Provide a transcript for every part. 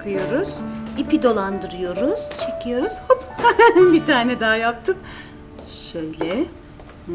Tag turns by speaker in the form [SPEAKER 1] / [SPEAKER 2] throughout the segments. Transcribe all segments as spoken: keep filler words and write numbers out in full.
[SPEAKER 1] takıyoruz. İpi dolandırıyoruz, çekiyoruz. Hop. Bir tane daha yaptım. Şöyle. Hı.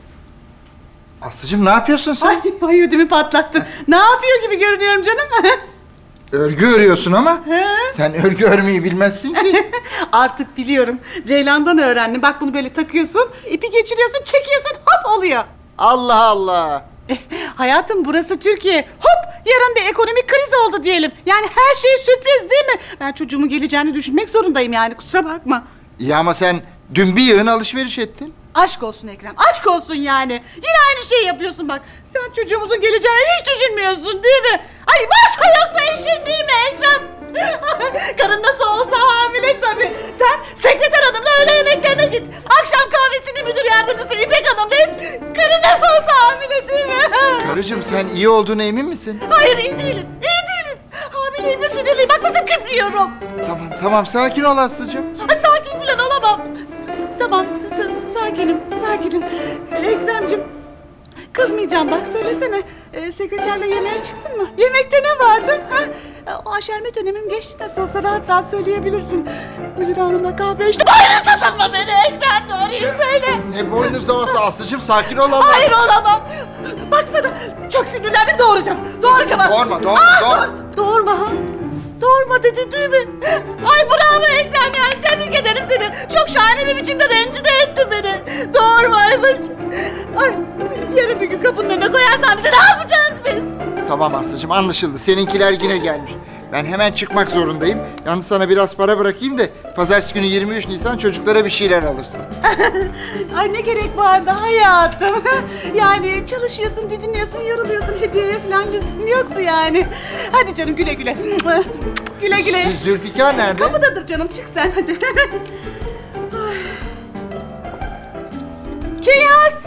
[SPEAKER 2] Aslıcığım ne yapıyorsun sen?
[SPEAKER 1] Ay, ay ödümü patlattın. Ne yapıyor gibi görünüyorum canım?
[SPEAKER 2] Örgü örüyorsun ama
[SPEAKER 1] He?
[SPEAKER 2] sen örgü örmeyi bilmezsin ki.
[SPEAKER 1] Artık biliyorum. Ceylan'dan öğrendim. Bak bunu böyle takıyorsun, ipi geçiriyorsun, çekiyorsun, hop oluyor.
[SPEAKER 2] Allah Allah.
[SPEAKER 1] Eh, hayatım burası Türkiye. Hop yarın bir ekonomik kriz oldu diyelim. Yani her şey sürpriz değil mi? Ben çocuğumun geleceğini düşünmek zorundayım yani kusura bakma.
[SPEAKER 2] İyi ama sen dün bir yığın alışveriş ettin.
[SPEAKER 1] Aşk olsun Ekrem, aşk olsun yani. Yine aynı şeyi yapıyorsun bak. Sen çocuğumuzun geleceğini hiç düşünmüyorsun değil mi? Ay varsa yoksa işin değil mi Ekrem? Karın nasıl olsa hamile tabii. Sen sekreter hanımla öğle yemeklerine git. Akşam kahvesini müdür yardımcısı İpek Hanım'la iç. Karın nasıl olsa hamile değil mi?
[SPEAKER 2] Karıcığım sen iyi olduğuna emin misin?
[SPEAKER 1] Hayır iyi değilim, iyi değilim. Hamileyim ve sinirliyim. Bak nasıl küprüyorum.
[SPEAKER 2] Tamam tamam sakin ol Aslıcığım.
[SPEAKER 1] Ay, sakin falan olamam. Tamam, s- sakinim, sakinim. Ekrem'cim, kızmayacağım bak söylesene. Ee, sekreterle yemeğe çıktın mı? Yemekte ne vardı? Ha? O aşerme dönemim geçti nasıl olsa rahat rahat söyleyebilirsin. Müdür hanımla kahve içtim. Hayır satılma beni Ekrem, doğruyu söyle.
[SPEAKER 2] Ne boynuzlaması Aslıcığım sakin ol Allah.
[SPEAKER 1] Hayır olamam. Baksana çok sinirlendim doğuracağım. Doğuracağım aslında.
[SPEAKER 2] Doğurma, doğurma,
[SPEAKER 1] Aa,
[SPEAKER 2] doğurma.
[SPEAKER 1] doğur- Doğurma ha. Doğurma dedin değil mi? Ay bravo Ekrem yani tebrik ederim seni. Çok şahane bir biçimde rencide ettin beni. Doğurmaymış. Ay yarın bir gün kapının önüne koyarsan bize ne yapacağız biz?
[SPEAKER 2] Tamam Aslıcığım anlaşıldı. Seninkiler yine gelmiş. Ben hemen çıkmak zorundayım. Yalnız sana biraz para bırakayım da pazartesi günü yirmi üç Nisan çocuklara bir şeyler alırsın.
[SPEAKER 1] Ay ne gerek vardı hayatım. Yani çalışıyorsun, didiniyorsun, yoruluyorsun. Hediyeye falan lüzum yoktu yani. Hadi canım güle güle. Güle güle.
[SPEAKER 2] Zülfikar nerede?
[SPEAKER 1] Kapıdadır canım çık sen hadi. Ay. Kinyas.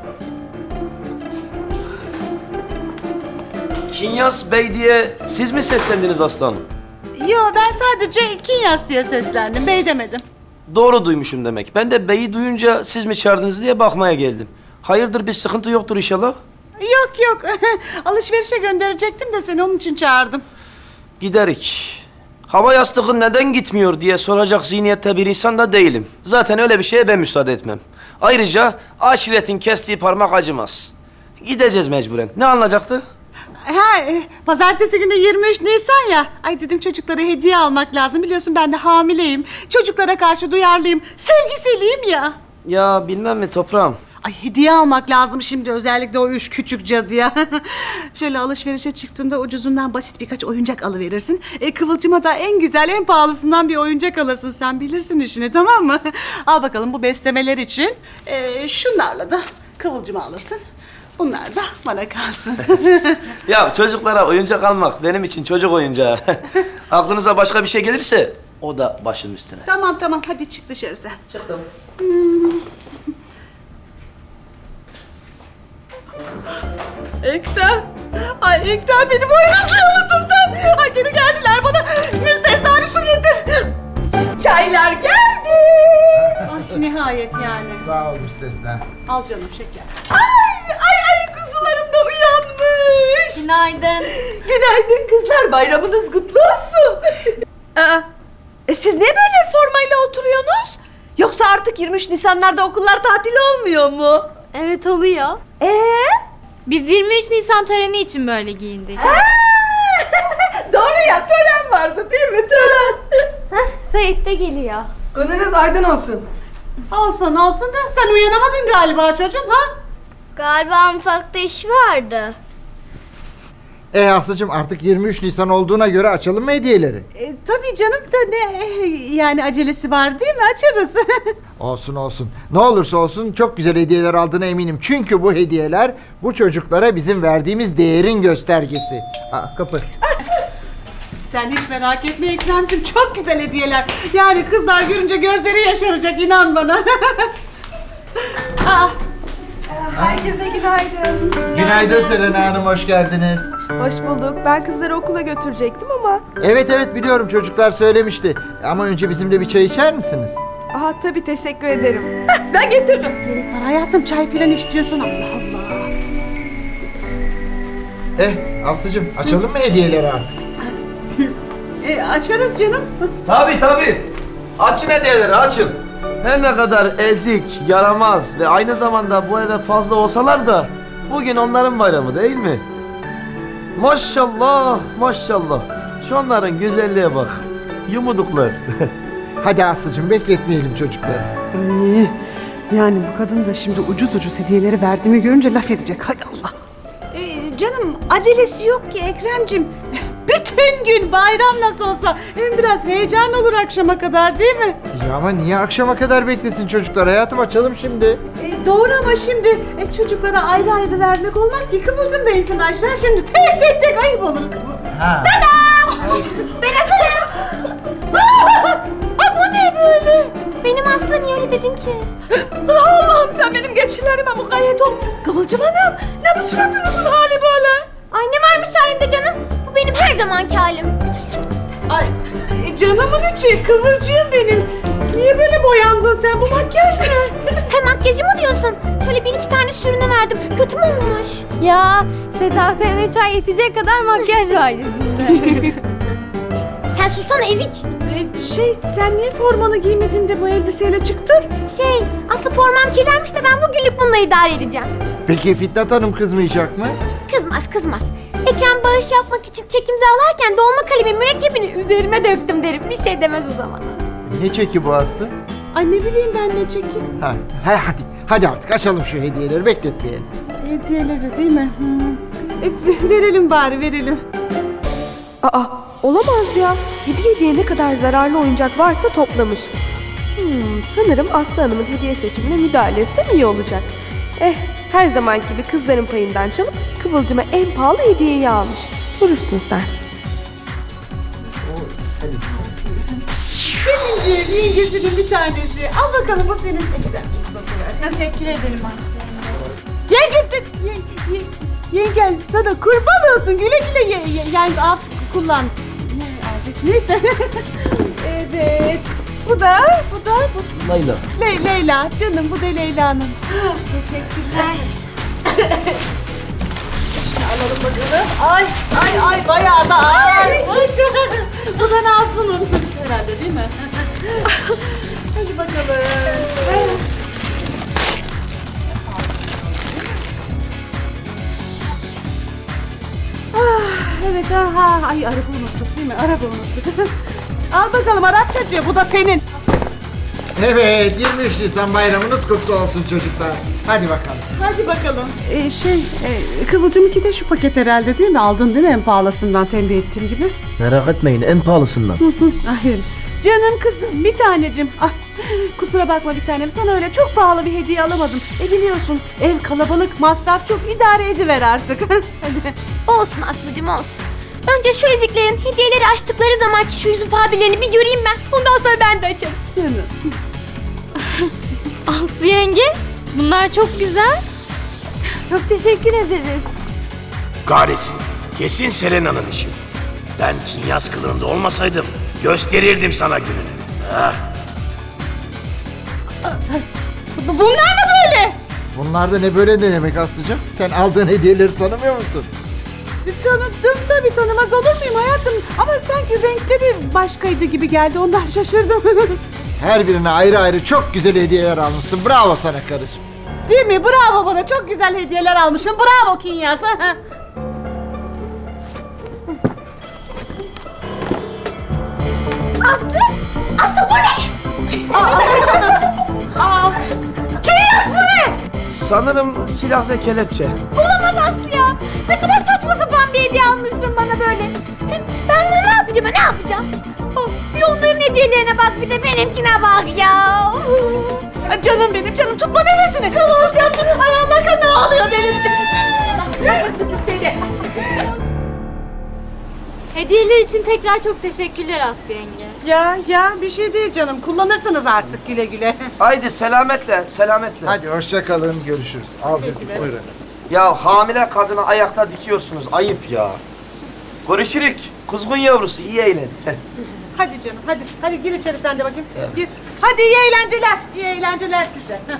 [SPEAKER 3] Kinyas Bey diye siz mi seslendiniz aslanım?
[SPEAKER 1] Yo ben sadece Kinyas diye seslendim. Bey demedim.
[SPEAKER 3] Doğru duymuşum demek. Ben de beyi duyunca siz mi çağırdınız diye bakmaya geldim. Hayırdır bir sıkıntı yoktur inşallah?
[SPEAKER 1] Yok yok. Alışverişe gönderecektim de seni onun için çağırdım.
[SPEAKER 3] Giderik. Hava yastığı neden gitmiyor diye soracak zihniyette bir insan da değilim. Zaten öyle bir şeye ben müsaade etmem. Ayrıca aşiretin kestiği parmak acımaz. Gideceğiz mecburen. Ne alınacaktı?
[SPEAKER 1] Ha, e, pazartesi günü yirmi üç Nisan ya. Ay dedim çocuklara hediye almak lazım. Biliyorsun ben de hamileyim. Çocuklara karşı duyarlıyım. Sevgiseliyim ya.
[SPEAKER 3] Ya bilmem mi toprağım.
[SPEAKER 1] Ay hediye almak lazım şimdi özellikle o üç küçük cadıya. Şöyle alışverişe çıktığında ucuzundan basit birkaç oyuncak alıverirsin. E, Kıvılcım'a da en güzel en pahalısından bir oyuncak alırsın. Sen bilirsin işini tamam mı? Al bakalım bu beslemeler için. E, şunlarla da Kıvılcım'a alırsın. Bunlar da bana kalsın.
[SPEAKER 3] Ya çocuklara oyuncak almak benim için çocuk oyuncağı. Aklınıza başka bir şey gelirse o da başım üstüne.
[SPEAKER 1] Tamam tamam hadi çık dışarı sen.
[SPEAKER 3] Çıktım.
[SPEAKER 1] Ekrem. Ay Ekrem beni boynuzluyor musun sen? Ay geri geldiler bana. Müstesna bir su getir. Çaylar geldi. Ay nihayet yani.
[SPEAKER 2] Sağ ol müstesna.
[SPEAKER 1] Al canım şeker. Ay ay ay kuzularım da uyanmış.
[SPEAKER 4] Günaydın.
[SPEAKER 5] Günaydın kızlar, bayramınız kutlu olsun. Aa, e siz niye böyle formayla oturuyorsunuz? Yoksa artık yirmi üç Nisanlarda okullar tatil olmuyor mu?
[SPEAKER 4] Evet oluyor.
[SPEAKER 5] Ee?
[SPEAKER 4] Biz yirmi üç Nisan töreni için böyle giyindik.
[SPEAKER 5] Doğru ya, tören vardı değil mi? Tören.
[SPEAKER 4] Heh, Sait de geliyor.
[SPEAKER 5] Gününüz aydın olsun.
[SPEAKER 1] Olsun olsun da sen uyanamadın galiba çocuğum ha?
[SPEAKER 4] Galiba mutfakta iş vardı.
[SPEAKER 2] E Aslıcığım artık yirmi üç Nisan olduğuna göre açalım mı hediyeleri?
[SPEAKER 1] E, tabii canım da ne yani acelesi var değil mi açarız.
[SPEAKER 2] Olsun olsun. Ne olursa olsun çok güzel hediyeler aldığına eminim. Çünkü bu hediyeler bu çocuklara bizim verdiğimiz değerin göstergesi. Aa, kapı.
[SPEAKER 1] Sen hiç merak etme Ekrem'cim çok güzel hediyeler. Yani kızlar görünce gözleri yaşaracak inan bana. Aa,
[SPEAKER 5] Herkese günaydın.
[SPEAKER 2] Günaydın Selena Hanım, hoş geldiniz.
[SPEAKER 5] Hoş bulduk. Ben kızları okula götürecektim ama...
[SPEAKER 2] Evet evet biliyorum çocuklar söylemişti. Ama önce bizimle bir çay içer misiniz?
[SPEAKER 5] Aha tabii teşekkür ederim. Ben getiririm.
[SPEAKER 1] gerek var hayatım çay filan istiyorsun Allah Allah.
[SPEAKER 2] Eh Aslıcığım açalım mı hediyeleri artık?
[SPEAKER 1] E, açarız canım.
[SPEAKER 3] Tabii tabii. Açın hediyeleri açın. Her ne kadar ezik, yaramaz ve aynı zamanda bu eve fazla olsalar da bugün onların bayramı değil mi? Maşallah maşallah. Şu onların güzelliğe bak. Yumuduklar.
[SPEAKER 2] Hadi Aslı'cığım bekletmeyelim çocukları.
[SPEAKER 6] Ay, yani bu kadın da şimdi ucuz ucuz hediyeleri verdiğimi görünce laf edecek. Hay Allah.
[SPEAKER 1] E, canım acelesi yok ki Ekrem'cim. Bütün gün bayram nasıl olsa hem biraz heyecan olur akşama kadar değil mi?
[SPEAKER 2] Ya ama niye akşama kadar beklesin çocuklar? Hayatım açalım şimdi.
[SPEAKER 1] E, doğru ama şimdi e, çocuklara ayrı ayrı vermek olmaz ki. Kıvılcım da insin aşağı şimdi tek tek tek ayıp olur.
[SPEAKER 2] Ha.
[SPEAKER 4] Ben hazırım.
[SPEAKER 1] Ha bu ne böyle?
[SPEAKER 4] Benim Aslı niye öyle dedin ki?
[SPEAKER 5] Allah'ım sen benim geçilerime mukayyet ol. Kıvılcım Hanım, ne bu suratınızın hali böyle?
[SPEAKER 4] Ay ne varmış halinde canım? Bu benim her zamanki halim.
[SPEAKER 1] Ay e, canımın içi kıvırcığım benim. Niye böyle boyandın sen? Bu makyaj ne?
[SPEAKER 4] Hem makyajı mı diyorsun? Şöyle bir iki tane sürüne verdim. Kötü mü olmuş? Ya Seda senin üç ay yetecek kadar makyaj var yüzünde. Sen sussana ezik.
[SPEAKER 1] E, şey sen niye formanı giymedin de bu elbiseyle çıktın?
[SPEAKER 4] Şey Aslı formam kirlenmiş de ben bugünlük bununla idare edeceğim.
[SPEAKER 2] Peki Fitnat Hanım kızmayacak mı?
[SPEAKER 4] Kızmaz kızmaz. Ekrem bağış yapmak için çek imzalarken dolma kalemi mürekkebini üzerime döktüm derim. Bir şey demez o zaman.
[SPEAKER 2] Ne çeki bu Aslı?
[SPEAKER 1] Ay ne bileyim ben ne çekeyim.
[SPEAKER 2] Ha, ha hadi. Hadi artık açalım şu hediyeleri bekletmeyelim.
[SPEAKER 1] Hediyeleri değil mi? Hmm. E, verelim bari verelim.
[SPEAKER 6] Aa, olamaz ya. Hediye diye ne kadar zararlı oyuncak varsa toplamış. Hmm, sanırım Aslı Hanım'ın hediye seçimine müdahale etsem iyi olacak. Eh, her zaman gibi kızların payından çalıp Kıvılcım'a en pahalı hediyeyi almış. Vurursun sen.
[SPEAKER 1] Seninci yengesinin bir tanesi. Al bakalım bu senin. Ne kadar çok satılır.
[SPEAKER 4] Teşekkür ederim Aslı.
[SPEAKER 1] Yenge, ye, ye, yengen sana kurban olsun. Güle güle ye, ye, yenge al kullan. Ne adresi neyse. Evet. Bu da, bu da, bu
[SPEAKER 3] Layla.
[SPEAKER 1] Le, Leyla. Canım bu da Leyla'nın. Teşekkürler. Şunu alalım bakalım. Ay, ay, ay bayağı da ağırmış. Bu da Nazlı'nın. Herhalde değil mi? Hadi bakalım. Ah, evet aha. Ay araba unuttuk değil mi? Araba unuttuk. Al bakalım Arapçacığı bu da senin.
[SPEAKER 2] Evet, yirmi üç Nisan bayramınız kutlu olsun çocuklar. Hadi bakalım.
[SPEAKER 1] Hadi bakalım. Ee, şey, e, Kıvılcım iki de şu paket herhalde değil mi? Aldın değil mi en pahalısından tembih ettiğim gibi?
[SPEAKER 3] Merak etmeyin en pahalısından.
[SPEAKER 1] Hayır. Canım kızım, bir tanecim. Ay, kusura bakma bir tanem. Sana öyle çok pahalı bir hediye alamadım. E biliyorsun ev kalabalık, masraf çok idare ediver artık. Hadi.
[SPEAKER 4] Olsun Aslı'cım olsun. Önce şu eziklerin hediyeleri açtıkları zamanki şu yüz ifadelerini bir göreyim ben. Ondan sonra ben de açarım.
[SPEAKER 1] Canım.
[SPEAKER 4] Aslı yenge, bunlar çok güzel. Çok teşekkür ederiz.
[SPEAKER 7] Kahretsin. Kesin Selena'nın işi. Ben Kinyas kılığında olmasaydım gösterirdim sana gününü. Ah.
[SPEAKER 1] Bu- Bunlar mı böyle?
[SPEAKER 2] Bunlar da ne böyle ne demek Aslı'cığım? Sen aldığın hediyeleri tanımıyor musun?
[SPEAKER 1] Tanıdım tabii, tanımaz olur muyum hayatım? Ama sanki renkleri başkaydı gibi geldi, ondan şaşırdım.
[SPEAKER 2] Her birine ayrı ayrı çok güzel hediyeler almışsın. Bravo sana karıcığım.
[SPEAKER 1] Değil mi? Bravo bana. Çok güzel hediyeler almışım. Bravo Kinyas.
[SPEAKER 4] Aslı, Aslı bu ne?
[SPEAKER 1] Aa,
[SPEAKER 4] Kinyas bu ne?
[SPEAKER 3] Sanırım silah ve kelepçe.
[SPEAKER 4] Olamaz Aslı ya. Ne kadar saçma sapan bir hediye almışsın bana böyle. Hem ben bunu ne yapacağım, ne yapacağım? Oh, bir onların hediyelerine bak, bir de benimkine bak ya.
[SPEAKER 1] canım benim canım, tutma nefesini. Kıvırcım. Ay Allah kan ne oluyor benim
[SPEAKER 4] Seni. Hediyeler için tekrar çok teşekkürler Aslı yenge.
[SPEAKER 1] Ya ya bir şey değil canım. Kullanırsınız artık güle güle.
[SPEAKER 3] Haydi selametle, selametle.
[SPEAKER 2] Hadi hoşça kalın, görüşürüz. Al bir buyurun.
[SPEAKER 3] Ya hamile kadını ayakta dikiyorsunuz, ayıp ya. Görüşürük. Kuzgun yavrusu, iyi eğlen.
[SPEAKER 1] Hadi canım hadi. Hadi gir içeri sen de bakayım. Gir. Hadi iyi eğlenceler. İyi eğlenceler size. Heh.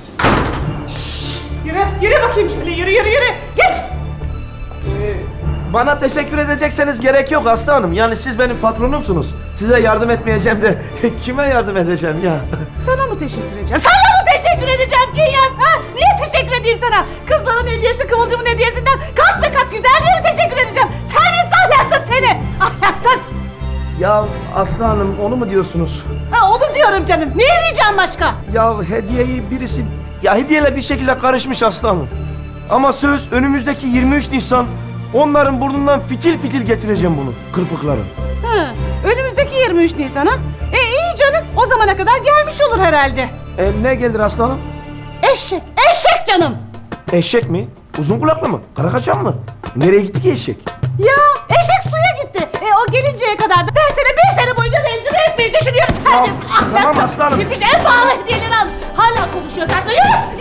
[SPEAKER 1] Yürü, yürü bakayım şöyle. Yürü, yürü, yürü. Geç.
[SPEAKER 3] bana teşekkür edecekseniz gerek yok Aslı Hanım. Yani siz benim patronumsunuz. Size yardım etmeyeceğim de kime yardım edeceğim ya?
[SPEAKER 1] Sana mı teşekkür edeceğim? Sana mı teşekkür edeceğim Kinyas? Ha? Niye teşekkür edeyim sana? Kızların hediyesi Kıvılcım'ın hediyesinden kat be kat güzel diye mi teşekkür edeceğim? Terbiyesiz ahlaksız seni! Ahlaksız!
[SPEAKER 3] Ya Aslı Hanım onu mu diyorsunuz?
[SPEAKER 1] Ha, onu diyorum canım. Ne diyeceğim başka?
[SPEAKER 3] Ya hediyeyi birisi... Ya hediyeler bir şekilde karışmış Aslı Hanım. Ama söz önümüzdeki yirmi üç Nisan onların burnundan fitil fitil getireceğim bunu. Kırpıkların.
[SPEAKER 1] Ha, önümüzdeki yirmi üç Nisan'a. E iyi canım. O zamana kadar gelmiş olur herhalde.
[SPEAKER 3] E ne gelir Aslı Hanım?
[SPEAKER 1] Eşek. Eşek canım.
[SPEAKER 3] Eşek mi? Uzun kulaklı mı? Karakaçan mı? Nereye gitti ki eşek?
[SPEAKER 1] Ya eşek suya gitti. E o gelinceye kadar da ben seni bir sene boyunca rencide etmeyi düşünüyorum. Terbiyesiz,
[SPEAKER 3] tamam
[SPEAKER 1] ahlaksız.
[SPEAKER 3] aslanım.
[SPEAKER 1] Gitmiş en pahalı hediyeleri al. Hala konuşuyor sen. Yürü!